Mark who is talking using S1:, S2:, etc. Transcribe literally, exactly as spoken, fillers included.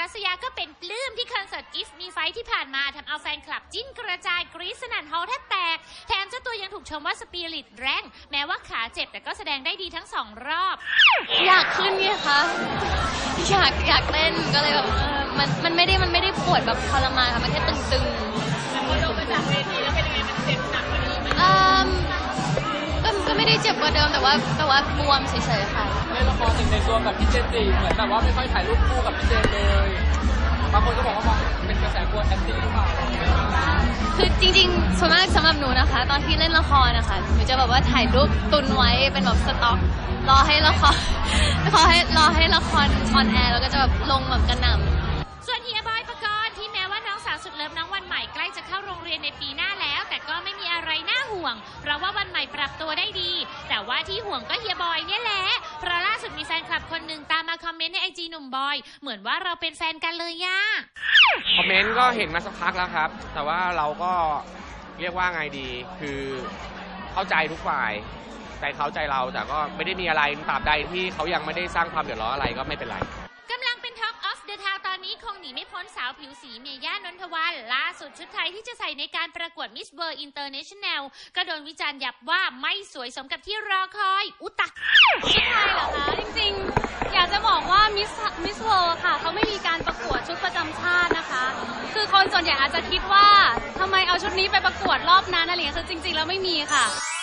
S1: สยาก็เป็นปลื้มที่คอนเสิร์ต Give Me Five ที่ผ่านมาทำเอาแฟนคลับจิ้นกระจายกรี๊ดสนั่นฮอลล์แทบแตกแถมเจ้าตัวยังถูกชมว่าสปิริตแรงแม้ว่าขาเจ็บแต่ก็แสดงได้ดีทั้งสองรอบ
S2: อยากขึ้นไงคะอยากอยากเต้นก็เลยแบบเออมันมันไม่ได้มันไม่ได้ปวดแบบทรมานค่ะมันแค่ตึงๆพอลงมาจากเวทีแล้วเป็นยังไงมันเจ็บหนักกว่านี้ไหมอืมก็ก็ไม่ได้เจ็บกว่าเดิมแต่ว่าแต่ว่าบวมเฉยๆค่ะ
S3: ในละครในตัวกับพี่เจนจีเหมือนแบบว่าไม่ค่อยถ่ายรูปคู่กับพี่เจนเลยบางคนก็บอกว่ามองเป็นกระแสกลัวแอนตี้หรือเปล่า
S2: คือจริงๆส่วนมากสำหรับหนูนะคะตอนที่เล่นละครนะคะหนูจะแบบว่าถ่ายรูปตุนไว้เป็นแบบสต็อกรอให้ละครรอให้รอให้ละครออนแอร์แล้วก็จะแบบลงแบบกระหน่ำ
S1: ส่วนเฮียบอยปกรณ์ที่แม้ว่าน้องสาวสุดเลิฟน้องวันใหม่ใกล้จะเข้าโรงเรียนในปีหน้าแล้วแต่ก็ไม่มีอะไรน่าห่วงเพราะว่าวันใหม่ปรับตัวได้ดีแต่ว่าที่ห่วงก็เฮียบอยเนี่ยแหละเพราะล่าสุดมีแฟนคลับคนหนึ่งตามมาคอมเมนต์ในไอจีหนุ่มบอยเหมือนว่าเราเป็นแฟนกันเลยย่า
S4: คอมเมนต์ก็เห็นมาสักพักแล้วครับแต่ว่าเราก็เรียกว่าไงดีคือเข้าใจทุกฝ่ายใจเขาใจเราแต่ก็ไม่ได้มีอะไรตราบใดที่เขายังไม่ได้สร้างความเดือดร้อนอะไรก็ไม่เป็นไร
S1: กำลังเป็น Talk of the Town ตอนนี้คงหนีไม่พ้นสาวผิวสีเมย่านนทวันล่าสุดชุดไทยที่จะใส่ในการประกวด Miss World International ก็โดนวิจารณ์ยับว่าไม่สวยสมกับที่รอคอยอุตะ
S2: ชุดไทยเหรอคะจริงๆอยากจะบอกว่า Miss Miss World ค่ะเขาไม่มีการประกวดชุดประจำชาตินะคะคือคนส่วนใหญ่อาจจะคิดว่าทำไมเอาชุดนี้ไปประกวดรอบนั้นอะไรอย่างเงี้ยคือจริงๆแล้วไม่มีค่ะ